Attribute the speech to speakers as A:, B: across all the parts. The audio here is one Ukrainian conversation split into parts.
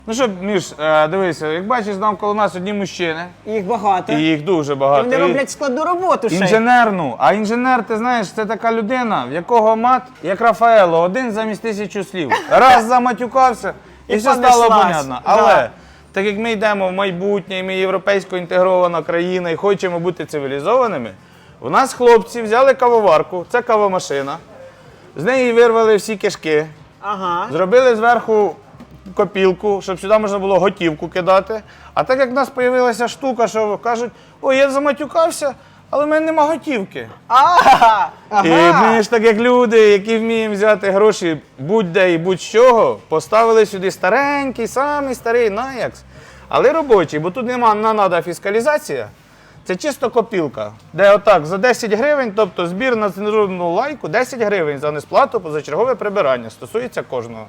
A: Ну що, Міш, дивися, як бачиш, навколо нас одні мужчини.
B: Їх багато.
A: І їх дуже
B: І
A: багато.
B: вони роблять складну роботу ще.
A: Інженерну. А інженер, ти знаєш, це така людина, в якого мат, як Рафаело, один замість 1000 слів. Раз заматюкався, і все стало
B: понеслась.
A: понятно.
B: Да.
A: Але, так як ми йдемо в майбутнє, і ми європейсько інтегрована країна і хочемо бути цивілізованими, у нас хлопці взяли кавоварку, це кавомашина, з неї вирвали всі кишки,
B: Ага.
A: зробили зверху копілку, щоб сюди можна було готівку кидати. А так як в нас з'явилася штука, що кажуть, ой, я заматюкався, але в мене нема готівки.
B: Ага.
A: І ми ж так як люди, які вміємо взяти гроші будь-де і будь-чого, поставили сюди старенький, самий старий Наякс, але робочий, бо тут нема, не треба фіскалізація. Це чисто копілка, де отак за 10 гривень, тобто збір на цензурну лайку, 10 гривень за несплату позачергове прибирання, стосується кожного.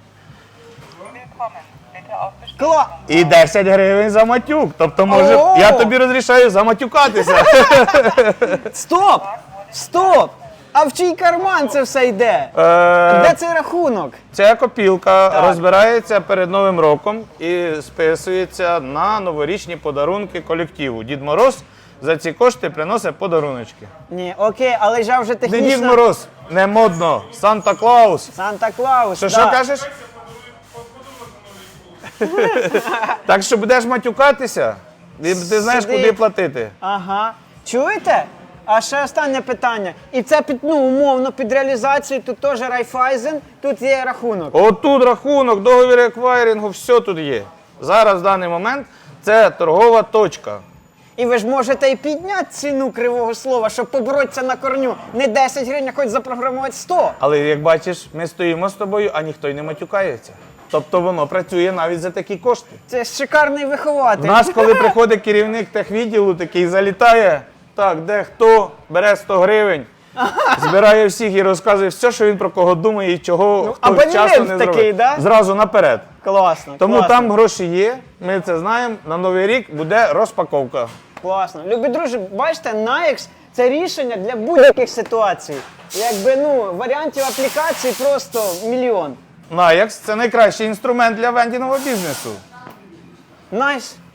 B: Кла...
A: І 10 гривень за матюк. Тобто, може,
B: О!
A: я тобі розрішаю заматюкатися.
B: Стоп! Стоп! А в чий карман це все йде? Де цей рахунок?
A: Ця копілка розбирається перед Новим роком і списується на новорічні подарунки колективу. Дід Мороз за ці кошти приносить подаруночки.
B: Ні, окей, але ж вже
A: Не Дід
B: технічно...
A: Мороз, не модно, Санта-Клаус.
B: Санта-Клаус,
A: Що,
B: да.
A: що кажеш? Так що будеш матюкатися, і ти знаєш,
B: Сиди.
A: куди платити.
B: Ага. Чуєте? А ще останнє питання. І це під, ну, умовно, під реалізацію тут теж Райфайзен, тут є рахунок.
A: Отут рахунок, договір еквайрингу, все тут є. Зараз, в даний момент, це торгова точка.
B: І ви ж можете і підняти ціну кривого слова, щоб поборотися на корню. Не 10 гривень, а хоч запрограмувати 100.
A: Але, як бачиш, ми стоїмо з тобою, а ніхто й не матюкається. Тобто воно працює навіть за такі кошти.
B: Це шикарний вихователь.
A: У нас, коли приходить керівник техвідділу, такий залітає, так, де хто, бере 100 гривень, збирає всіх і розказує все, що він про кого думає і чого хто
B: абонемент
A: вчасно не
B: такий,
A: зробив.
B: да?
A: Зразу наперед.
B: Класно,
A: Тому
B: класно.
A: там гроші є, ми це знаємо, на Новий рік буде розпаковка.
B: Класно. Любі друзі, бачите, Nayax – це рішення для будь-яких ситуацій. Якби, ну, варіантів аплікацій просто мільйон.
A: Nayax – це найкращий інструмент для вендінгового бізнесу.
B: Найс.